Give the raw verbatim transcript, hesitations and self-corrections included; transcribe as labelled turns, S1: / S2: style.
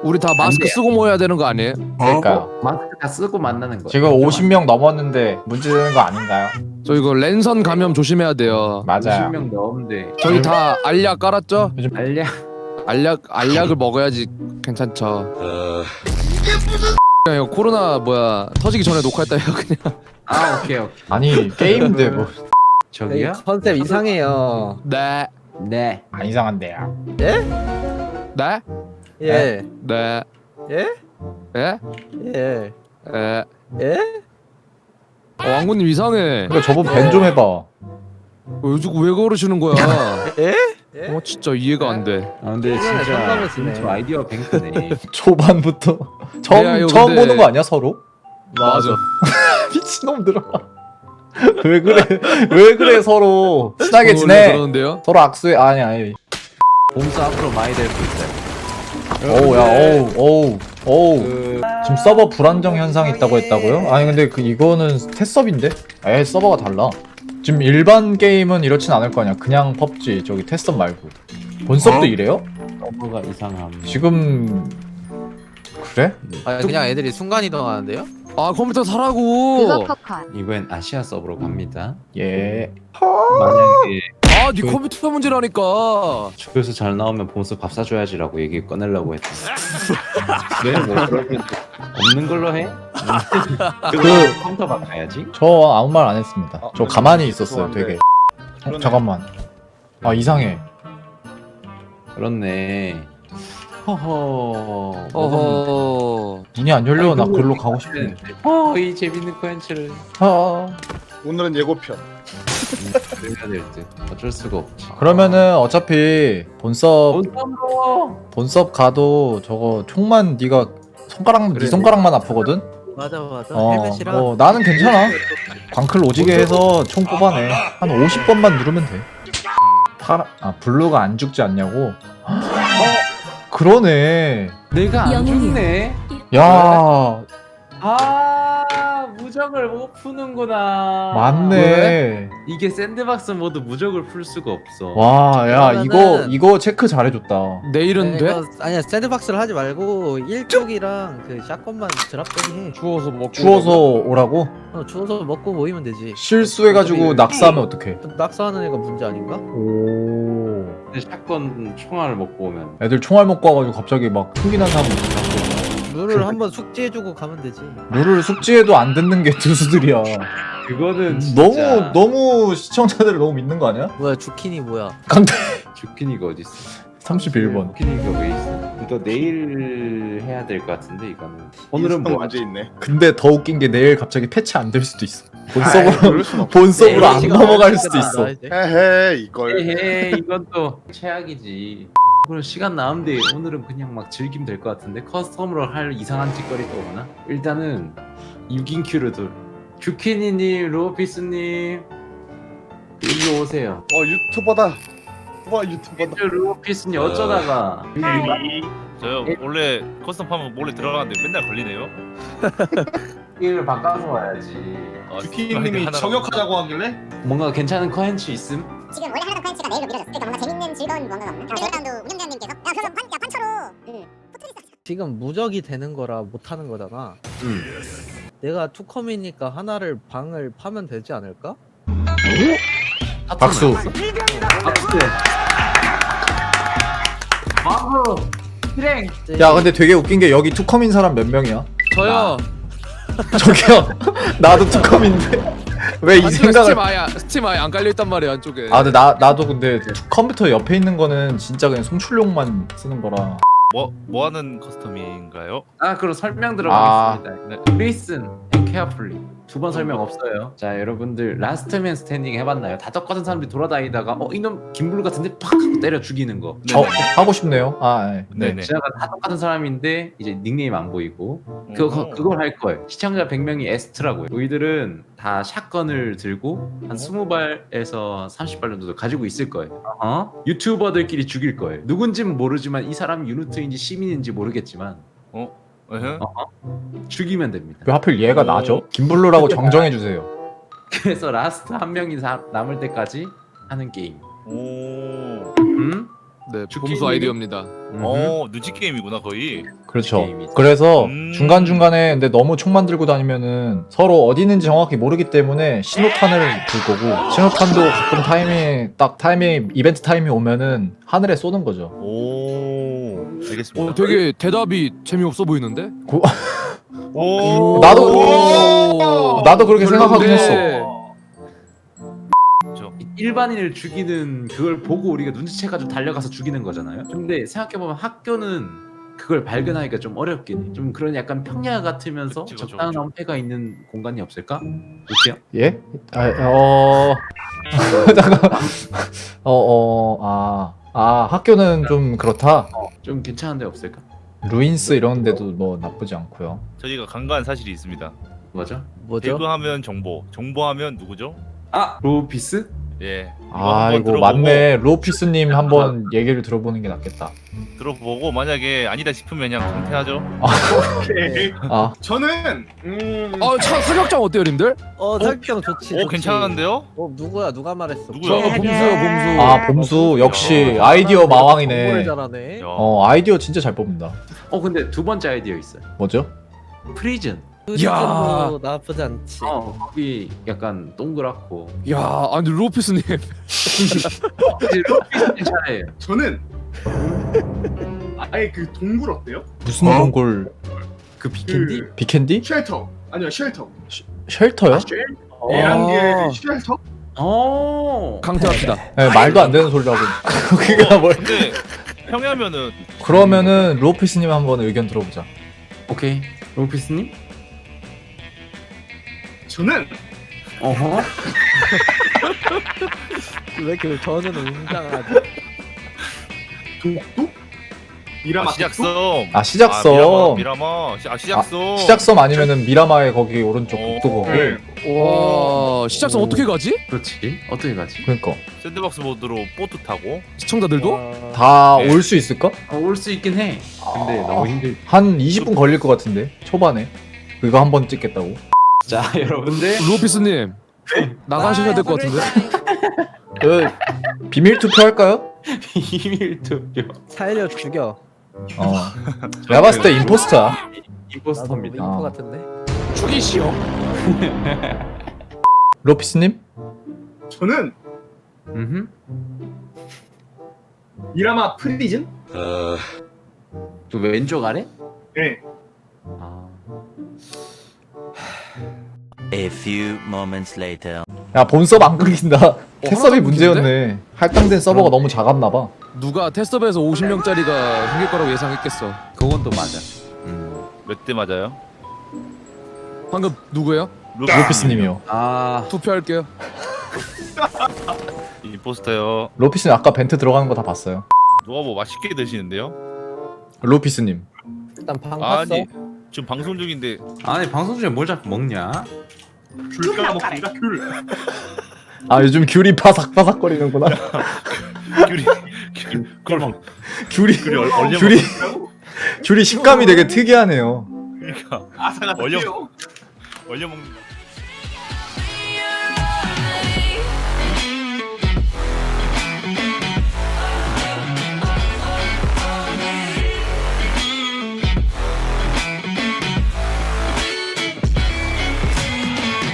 S1: 우리 다 마스크 쓰고 모여야 되는 거 아니에요?
S2: 그러니까요.
S3: 마스크 다 쓰고 만나는 거야.
S2: 지금 오십 명 넘었는데 문제되는 거 아닌가요?
S1: 저 이거 랜선 감염 조심해야 돼요.
S2: 맞아요.
S3: 오십 명 넘는데
S1: 저희 다 알약 깔았죠?
S2: 요즘
S3: 알려.
S1: 알약 알약을 먹어야지 괜찮죠. 그냥 이거 코로나 뭐야 터지기 전에 녹화했다 해요 그냥.
S3: 아 오케이 오케이.
S2: 아니 게임인데 뭐 안
S3: 저기요?
S4: 컨셉 이상해요.
S1: 네,
S3: 네.
S2: 이상한데요.
S4: 예?
S1: 네,
S4: 예.
S1: 네,
S4: 예?
S1: 예,
S4: 예.
S1: 예.
S4: 예?
S1: 어, 왕구님 이상해.
S2: 그러니까 저분 밴 좀 해봐.
S1: 어, 요즘 왜 그러시는 거야?
S4: 예? 예?
S1: 어 진짜 이해가 안 돼.
S3: 아 근데
S4: 이번에
S3: 진짜
S4: 상담했으네.
S3: 저 아이디어 뱅크네.
S2: 초반부터 처음
S1: 내가 이거
S2: 처음
S1: 근데-
S2: 보는 거 아니야 서로?
S1: 맞아.
S2: 미친놈들아. 왜 그래? 왜 그래 서로 친하게
S1: 원래
S2: 지내.
S1: 그러는데요?
S2: 서로 악수해. 아니 아니.
S3: 봄수 앞으로 많이 될 수 있어요.
S2: 어우 야 어우 어우 어우.
S3: 그
S2: 지금 서버 불안정 현상이 있다고 했다고요? 아니 근데 그 이거는 테스업인데? 에 서버가 달라. 지금 일반 게임은 이렇진 않을 거 아니야. 그냥 펍지 저기 테스업 말고. 본섭도 이래요?
S3: 서버가 이상함.
S2: 지금 그래?
S4: 아 그냥 애들이 순간 이동하는데요?
S1: 아 컴퓨터
S5: 그거
S1: 사라고.
S5: 팝콘.
S3: 이번엔 아시아 서버로 갑니다.
S2: 예.
S3: 만약에
S1: 아네 컴퓨터 문제라니까.
S3: 주에서 잘 나오면 봄수 밥 사줘야지라고 얘기 꺼내려고 했다. 왜? 뭐 그러면 없는 걸로 해? 그 컴퓨터 바꿔야지.
S2: 저 아무 말 안 했습니다.
S6: 아,
S2: 저 가만히 있었어요.
S6: 죄송한데.
S2: 되게. 어, 잠깐만. 아 이상해.
S3: 그렇네. 허허.
S1: 어허.
S2: 문이 안 열려. 나
S3: 아이고,
S2: 글로 가고 싶은데.
S3: 어, 이 재밌는 컨텐츠를
S2: 아.
S6: 오늘은 예고편.
S3: 해야 될 듯. 어쩔 수가 없지.
S2: 그러면은 어차피 본섭
S3: 온땀으로.
S2: 본섭 가도 저거 총만 네가 손가락 네 손가락만 아프거든.
S4: 맞아 맞아.
S2: 어,
S4: 헬멧이랑.
S2: 어 나는 괜찮아. 광클 오지게 해서 총 뽑아내. 한 오십 번만 누르면 돼. 파라 아 블루가 안 죽지 않냐고. 어? 그러네.
S3: 내가 안
S5: 영웅이야.
S3: 죽네.
S2: 야
S3: 아, 무적을 못 푸는구나.
S2: 맞네.
S3: 이게 샌드박스 모드 무적을 풀 수가 없어.
S2: 와 야 이거
S4: 그러면은-
S2: 이거 체크 잘해줬다.
S1: 내일은 돼?
S4: 이거- 아니야 샌드박스를 하지 말고 일쪽이랑 그 샷건만 드랍되기 해.
S1: 주워서 먹고.
S2: 주워서 오라고?
S4: 어, 주워서 먹고 모이면 되지.
S2: 실수해가지고 낙사하면 어떡해?
S4: 낙서하는 애가 문제 아닌가?
S2: 오.
S3: 근데 샷건 총알을 먹고 오면
S2: 애들 총알 먹고 와가지고 갑자기 막 흥기난 사람 있어.
S4: 룰을 한번 숙지해주고 가면 되지.
S2: 룰을 숙지해도 안 듣는 게 두수들이야.
S3: 그거는 진짜
S2: 너무 너무 시청자들을 너무 믿는 거 아니야?
S4: 뭐야 주키니 뭐야?
S2: 강태
S3: 주키니가 어디 있어?
S2: 삼십일 번.
S3: 주키니가 왜 있어? 이거 내일 해야 될 것 같은데 이거는. 오늘은 뭐
S6: 문제 있네.
S2: 근데 더 웃긴 게 내일 갑자기 패치 안 될 수도 있어.
S6: 아이,
S2: 본섭으로
S6: 그럴 순 없어.
S2: 본섭으로 안
S4: 시간
S2: 넘어갈
S4: 없으니까
S2: 수도 있어.
S4: 나 이제.
S6: 헤헤 이걸.
S3: 에헤 이건 또 최악이지. 그럼 시간 남은데 오늘은 그냥 막 즐기면 될 것 같은데 커스텀으로 할 이상한 짓거리 또 오나? 일단은 육 인 큐를 둘. 주키니님, 로피스님 일로 오세요.
S6: 어 유튜버다. 와 유튜버다.
S3: 로피스님 어쩌다가
S7: 저요 원래 커스텀 파면 몰래 들어가는데 맨날 걸리네요.
S3: 일을 바꿔서 와야지.
S7: 아,
S8: 주키님이
S7: 하나로-
S8: 저격하자고 하길래
S3: 뭔가 괜찮은 컨텐츠 있음?
S5: 지금 원래 하려던 컨텐츠가 내일로 미뤄졌어. 그러니까 뭔가 재밌는 즐거운 뭔가가 없나? 벨그라운드 운영자님께서 야 그럼 판, 야 판처로 응. 포트리스
S4: 지금 무적이 되는 거라 못 하는 거잖아.
S3: 응.
S4: 내가 투컴이니까 하나를 방을 파면 되지 않을까?
S2: 박수.
S3: 박수. 바로 실행.
S2: 야 근데 되게 웃긴 게 여기 투컴인 사람 몇 명이야?
S1: 저요.
S2: 저기요. 나도 투컴인데 왜 이
S1: 안쪽에
S2: 생각을?
S1: 스팀 아예 스팀 아예 안 깔려 있단 말이야 안쪽에.
S2: 아 근데 나 나도 근데 투- 컴퓨터 옆에 있는 거는 진짜 그냥 송출용만 쓰는 거라.
S7: 뭐, 뭐 하는 커스텀인가요?
S3: 아 그럼 설명
S2: 아.
S3: 들어가겠습니다. 네. Listen and carefully. 두 번 설명 없어요. 자 여러분들 라스트맨 스탠딩 해봤나요? 다 똑같은 사람들이 돌아다니다가 어 이놈 김블루 같은데 팍 하고 때려 죽이는 거.
S2: 어 하고 싶네요. 아 네.
S7: 네네.
S3: 제가 다 똑같은 사람인데 이제 닉네임 안 보이고 그거 그걸 할 거예요. 시청자 백 명이 에스트라고요. 우리들은 다 샷건을 들고 한 스무 발에서 삼십 발 정도 가지고 있을 거예요. 어? 유튜버들끼리 죽일 거예요. 누군지는 모르지만 이 사람이 유니트인지 시민인지 모르겠지만
S7: 으흠.
S3: 죽이면 됩니다.
S2: 왜 하필 얘가 나죠? 김블루라고 정정해 주세요.
S3: 그래서 라스트 한 명이 사- 남을 때까지 하는 게임.
S7: 오.
S3: 음?
S1: 네,
S3: 죽기
S1: 봄수
S3: 힘이-
S1: 아이디어입니다.
S3: 음.
S7: 어 눈치 게임이구나 거의.
S2: 그렇죠.
S3: 게임이죠.
S2: 그래서
S7: 음.
S2: 중간 중간에 근데 너무 총만 들고 다니면은 서로 어디 있는지 정확히 모르기 때문에 신호탄을 들 거고 신호탄도 가끔 타이밍 딱 타이밍 이벤트 타이밍 오면은 하늘에 쏘는 거죠.
S7: 오 알겠습니다.
S1: 어, 되게 대답이 재미없어 보이는데?
S7: 오
S2: 나도
S1: 오.
S2: 나도 그렇게 생각하긴
S1: 별론데.
S2: 했어.
S3: 일반인을 죽이는 그걸 보고 우리가 눈치채가지고 달려가서 죽이는 거잖아요. 근데 생각해보면 학교는 그걸 발견하기가 좀 어렵긴 해. 좀 그런 약간 평야 같으면서
S7: 그치, 그쵸,
S3: 적당한
S7: 그쵸.
S3: 엄폐가 있는 공간이 없을까? 어때요?
S2: 예? 아, 어. 잠깐. 어, 어, 아. 아, 학교는 좀 그렇다.
S3: 좀 괜찮은 데 없을까?
S2: 루인스 이런 데도 뭐 나쁘지 않고요.
S7: 저희가 간과한 사실이 있습니다.
S3: 맞아?
S4: 뭐죠?
S7: 배그하면 정보, 정보하면 누구죠?
S3: 아! 로피스?
S7: 예. 이거
S2: 아,
S7: 한번
S2: 이거
S7: 들어보고-
S2: 맞네. 로피스님 한번 얘기를 들어보는 게 낫겠다.
S7: 들어보고 만약에 아니다 싶으면 그냥 강퇴하죠.
S8: 오케이.
S2: 아,
S8: 저는 음.
S1: 아, 차, 사격장 어때요, 님들?
S4: 어 사격장 좋지.
S7: 오
S4: 좋지.
S7: 괜찮은데요?
S4: 어 누구야 누가 말했어?
S1: 저
S7: 누구야?
S1: 봄수요, 봄수.
S2: 아, 봄수 역시
S7: 야.
S2: 아이디어
S4: 정보를
S2: 마왕이네.
S4: 잘하네.
S7: 야.
S2: 어, 아이디어 진짜 잘 뽑는다.
S3: 어 근데 두 번째 아이디어 있어요.
S2: 뭐죠?
S3: 프리즌.
S4: 야 나쁘지 않지.
S3: 어 거기 약간 동그랗고
S1: 야, 아니 로피스님.
S3: 로피스 괜찮아요.
S8: 저는 아예 그 동굴 어때요?
S2: 무슨 동굴
S3: 그 비캔디?
S2: 비캔디?
S8: 쉘터 아니요 쉘터.
S2: 쉘터요?
S8: 에란게 쉘터?
S3: 어.
S1: 강퇴합시다.
S2: 네, 말도 안 되는 소리라고. 그게 뭘?
S7: 근데 평야면은
S2: 그러면은 로피스님 한번 의견 들어보자.
S3: 오케이. 로피스님?
S8: 저는
S3: 어허.
S4: 왜 이렇게 저는 웅장하지?
S8: 독도? 미라마
S7: 아, 시작섬.
S2: 아, 시작섬.
S7: 아, 미라마, 미라마. 시- 아 시작섬.
S2: 시작섬 아니면은 미라마의 거기 오른쪽
S7: 어.
S2: 북도 거기.
S8: 네.
S1: 와, 시작선 어떻게 가지?
S3: 그렇지. 어떻게 가지?
S2: 그러니까
S7: 샌드박스 모드로 보트 타고.
S1: 시청자들도?
S4: 와.
S2: 다
S7: 네.
S2: 올 수 있을까?
S3: 어, 올 수 있긴 해. 근데 너무 힘들.
S2: 한 이십 분 걸릴 것 같은데 초반에 그거 한 번 찍겠다고.
S3: 자, 여러분들.
S1: 로피스님. 나가셔야 될 것 같은데?
S2: 그 비밀 투표 할까요?
S3: 비밀 투표.
S4: 살려 죽여.
S2: 어. 내가 봤을 때 임포스터야.
S3: 임포스터입니다.
S4: 나도
S2: 아.
S4: 윙크 같은데.
S1: 죽이시오.
S2: 로피스님?
S8: 저는
S3: 음.
S8: 미라마 프리즌?
S3: 그 왼쪽 아래?
S8: 네.
S3: 아.
S9: A few moments later.
S2: 야 본섭 안 끊긴다. 캐섭이
S1: 하나도
S2: 문제였네. 할당된 서버가 너무 작았나봐.
S1: 누가 테스트업에서 오십 명짜리가 생길 거라고 예상했겠어.
S3: 그건 또 맞아. 음.
S7: 몇 대 맞아요?
S1: 방금 누구예요?
S2: 로피스님이요.
S3: 아.
S1: 투표할게요.
S7: 임포스터요.
S2: 로피스님 아까 벤트 들어가는 거 다 봤어요.
S7: 누가 뭐 맛있게 드시는데요?
S2: 로피스님.
S4: 일단 방 봤어.
S7: 아니 지금 방송 중인데
S3: 아니 방송 중에 뭘 자꾸 먹냐?
S8: 귤 까먹습니다 귤.
S2: 아 요즘 귤이 바삭바삭거리는구나.
S7: 귤이 귤 그걸
S2: 귤이
S7: 귤이 얼- 얼려
S2: 귤이 귤이 식감이 되게 특이하네요.
S7: 그러니까
S8: 아사가
S7: 얼려
S8: 요
S7: 얼려 먹는 거.